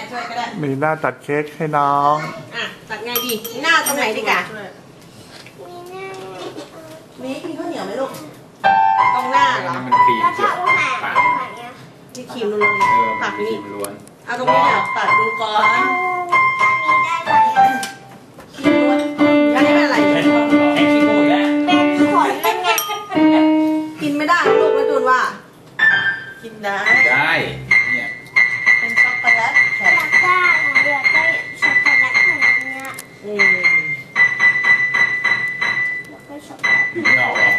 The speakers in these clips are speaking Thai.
ช่วยก็ได้มีหน้าตัดเค้กให้น้องอ่ะตัดไงดีหน้าตรงไหนดีกะมีกินข้าวเหนียวไหมลูกตรงหน้าเหรอมันครีมแล้วเจีถ้ายวอุหาปากที่ครีมล้วนผัผักกนี่นี่ล้วนเอาตรงนี้เนี่ยตัดดูก่อนอันนี้ได้ไหมครีมล้วนอันนี้เป็นอะไรแข่งขี้โม้อีกแล้วเป็นผลเป็นไงกินไม่ได้ลูกแล้วจูนว่ากินได้ได้เนี่ยเป็นช็อกโกแลตแข็อง ยากได้อยากได้ช็อกโกแลตเหมือนอันเนี้ยอืมอยากได้ช็อกโกแลตไม่ออกหรอก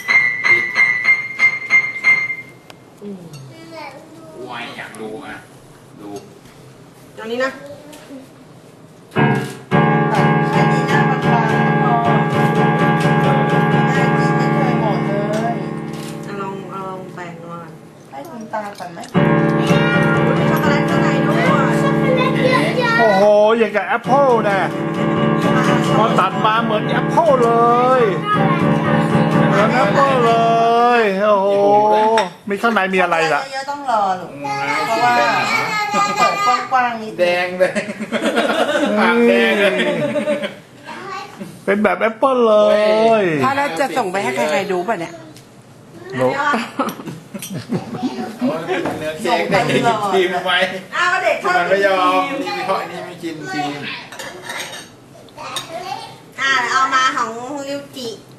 อืมวายอยากดูอ่ะดูอันนี้นะตัดแค่นี้นะบางๆก็พอไม่ได้กินไม่เคยหมดเลยเอาลองแบ่งมาให้คุณตาก่อนไหมช็อกโกแลตข้างในด้วยช็อกโกแลตเยอะโอ้โหอย่างกับแอปเปิลนะพอตัดมาเหมือนแอปเปิลเลยเหมือนแอปเปิลเลยโอ้โหมีข้างในมีอะไรล่ะเยอะๆต้องรอลูกเพราะว่าต้องเปิดกว้างๆนิดแดงเลยปากแดงเลยเป็นแบบแอปเปิลเลยถ้าเราจะส่งไปให้ใครๆดูป่ะเนี่ยโน้เนื้อเค้กได้กินครีมไหมอ้าวเด็กชอบมันกิไม่นยอมครีมเพราะอันนี้ไม่กินครีมเอามาของริวจิ